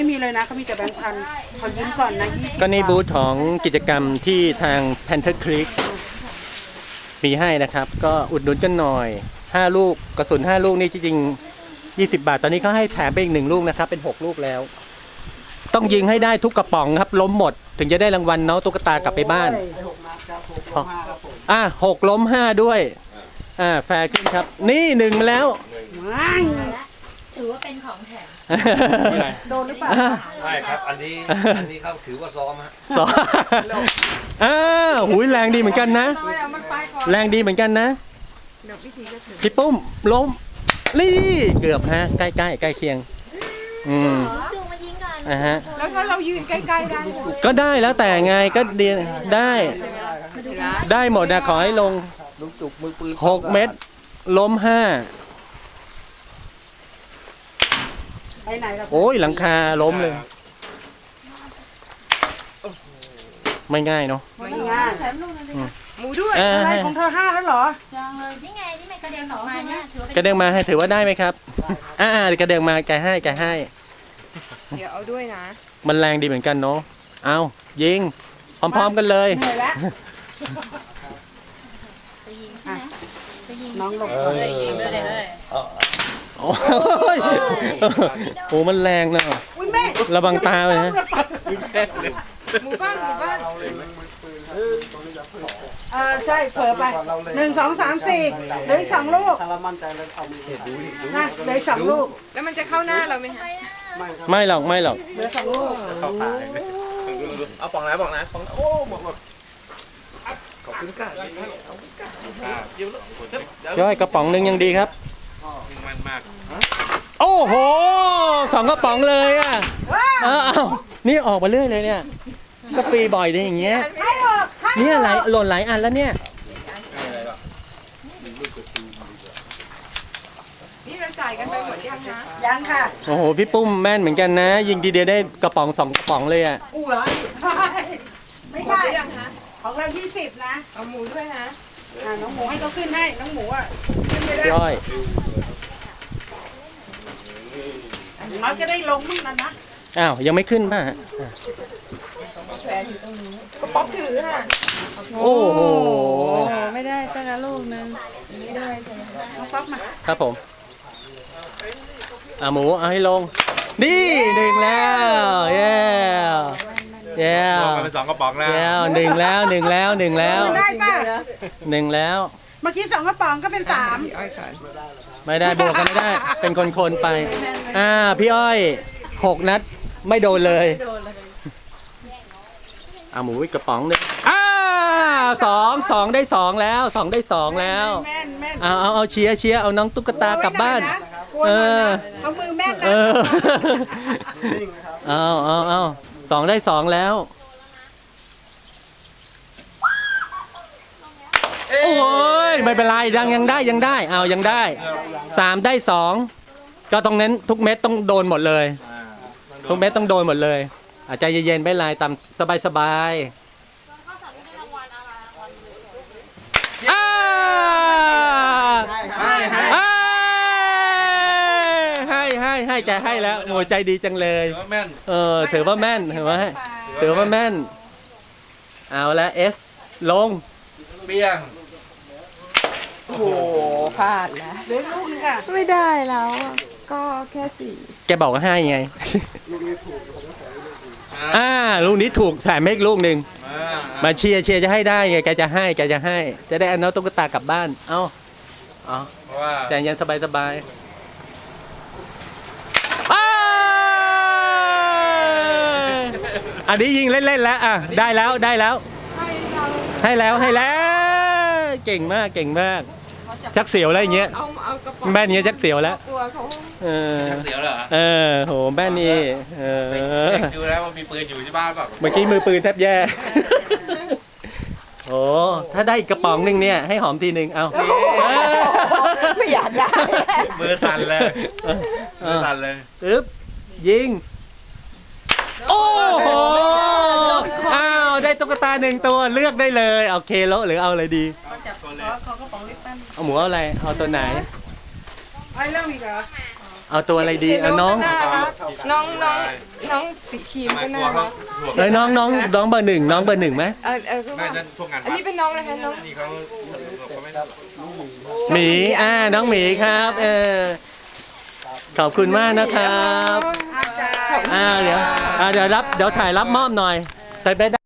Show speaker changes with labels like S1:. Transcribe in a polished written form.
S1: ไม่มีเลยนะเขามีแต่แบงค์พันเขายืมก่อนนะ20
S2: ก็นี่บูธของกิจกรรมที่ทาง Panther Creek มีให้นะครับ ก็อุดหนุนกันหน่อย5ลูกกระสุน5ลูกนี่จริงๆ20 บาทตอนนี้เขาให้แถมไปอีก1ลูกนะครับเป็น6ลูกแล้ว ต้องยิงให้ได้ทุกกระป๋องครับล้มหมดถึงจะได้รางวัลเนาะตุ๊กตากลับไปบ้าน6 ล้ม 5ด้วยแฟร์ขึ้นครับนี่1มาแล้ว
S3: ถือว่าเป็นของแถม
S1: โดนหรือเปล่า
S4: ไม่ครับอันนี้เขาถือว่าซ้อมฮะ
S2: สองหูยแรงดีเหมือนกันนะแรงดีเหมือนกันนะพี่ปุ้มล้มนี่เกือบฮะใกล้เคียง
S3: จูงมายิงก่อน
S2: ฮะ
S5: แล้วถ้าเรายืนใกล้ๆได้
S2: ก็ได้แล้วแต่ไงก็ดีได้หมดนะขอให้ลง
S4: ลูกจุกมือปืน
S2: 6 เม็ดล้ม 5
S1: ไปไหนครับ
S2: โอ้ยหลังคาล้มเลย ไม่ง่ายเนาะ
S1: ไม่ง่าย
S5: หมูด้วย
S1: อะไรของเธอ5แล้วเหรอ
S3: นี่ไงที่แม่กระเด็นออกมาเนี่ยถือว่าเป็น
S2: กระเด้งมาให้ถือว่าได้ไหมครับกระเด้งมาแกให้
S5: เดี๋ยวเอาด้วยนะ
S2: มันแรงดีเหมือนกันเนาะเอายิงพร้อมๆกันเลย
S1: เหนื่อยแล้ว
S3: จะยิงใช่ไหมจะยิง
S1: น้องลง
S3: ยิงเลยเลย
S2: โอ้ยโอ้มันแรงนะ
S1: อุ้ยแม่
S2: ระวังตาเลยนะ
S5: หมู่บ้าน
S1: ใช่เผลอไป1 2 3 4เหลืออีก2ลูก
S6: ถ้าเรามั่นใจแล้วเอามือถ่าย
S1: นะเหลืออีก2ลูก
S5: แล้วมันจะเข้าหน้าเราไหมคะ
S6: ไม่ครับ
S2: ไม่หรอก
S1: เหลือ2ลูก
S4: เอาปองไหนปองโอ้หมดขอบคุณค่ะ
S2: ย่อยกระป๋องหนึ่งยังดีครับ
S4: มันมาก
S2: โอ้โห2 กระป๋องเลยอ่ะเอานี่ออกมาเรื่อยเลยเนี่ยก็ฟรีบ่อยเลยอย่างเงี้ย
S1: ให้ออกให้
S2: เนี่ยหล่นหลายอันแล้วเนี่ย
S5: นี่เราจ่ายกันไปหมดยังนะ
S1: ยังค่ะ
S2: โอ้โหพี่ปุ้มแม่นเหมือนกันนะ ยิงทีเดียวได้กระป๋อง2 กระป๋องเลยอ่ะ
S5: อู้เหรอ
S1: ไม่
S5: หมด
S1: ได้
S5: หรือยังคะ
S1: ของเรา20นะ
S5: เอาหมูด้วยนะ
S1: น้องหมูให้เขาขึ้นให้น้องหมูอ่ะขึ้นไม่ได้
S2: ย่อย
S1: น้อยจะได้ลงมั่งนะ
S2: อ้าวยังไม่ขึ้นป่ะฮะ
S5: แขวนอยู่ตรงนี้กระป๋องถือค่ะ
S2: โอ้โห
S5: ไม่ได้ตั้งแต่ลูกนึง
S1: น้องป๊อปมา
S2: ครับผมหมูเอาให้ลงนี่1แล้วเย้
S4: เป็น2 กระป๋องแล้ว
S2: 1แล้ว1แล้ว
S1: ได้ป่ะ
S2: 1แล้ว
S1: เมื่อกี้2 กระป๋องก็เป็น3
S5: พี่อ้อยสอน
S2: ไม่ได้บวกกันไม่ได้ เป็นคนๆไปพี่อ้อย6 นัดไม่โดนเลยหมูอีกกระป๋องหนึ่ง2ได้ 2แล้ว2ได้ 2แล้ว
S1: แม่นแม่น
S2: เอาเชียร์เอาน้องตุ๊กตากลับบ้าน
S1: เอามือแม่นนะ
S2: เอา2ได้ 2แล้วโอ้ยไม่เป็นไรยังได้ยังได้3ได้ 2ก็ตรงนั้นทุกเม็ดต้องโดนหมดเลยทุกเม็ดต้องโดนหมดเลยใจเย็นๆไม่เป็นไรตามสบายให้แกให้แล้วโอ้ใจดีจังเลยถือว่าแม่นถือว่าแม่นเอาละลง
S4: เปี้ยง
S5: โอ้โหพลาดแล้ว
S1: เหลือลูกนึงค่ะ
S5: ไม่ได้แล้วอะก็แค่4
S2: แกบอกว่าให้ไงลูกนี้ถูกแถมให้อีกลูกหนึ่งมาเชียร์จะให้ได้ไงแกจะให้จะได้เอาน้องตุ๊กตากลับบ้านใจเย็นสบายอันนี้ยิงเล่นๆแล้วได้แล้วให้แล้วเก่งมากชักเสียวแล้วอย่างเงี้ย
S5: เอากระป๋อง
S2: แม่นเงี้ยชักเสียวแล้ว
S5: กลัวเขา
S4: เสียวเหรอ
S2: โหแม่นี่
S4: ดูแล้วว่ามีปืนอยู่ที่บ้านเปล่า
S2: เมื่อกี้มือปืนแทบแย่โอ้ถ้าได้อีกกระป๋องหนึ่งเนี่ยให้หอมทีหนึ่งเอา
S5: ไม่อยากได้
S4: มือสั่นเลย
S2: ยิงโอ้โหได้ตุ๊กตา1 ตัวเลือกได้เลยเอาเคโลหรือเอาอะไรดีเอาหมูเอาอะไรเอาตัวไหน
S1: ไอ้เริ่มอีกเหรอ
S2: เอาตัวอะไรดีเอาน้อง
S5: น้องสีครีมก็น่ารัก
S2: เอ้ยน้องเบอร์หนึ่งน้องเบอร์หนึ่งไหม
S5: ก็
S4: ไม่
S5: ว่า
S4: นั่นพวกงาน
S5: อันนี้เป็นน้องนะคะน้อง
S4: นี่เขาไม่ได้
S2: หมีน้องหมีครับขอบคุณมากนะครับ
S1: อาจารย์
S2: เดี๋ยวถ่ายรับมอบหน่อยแต่ได้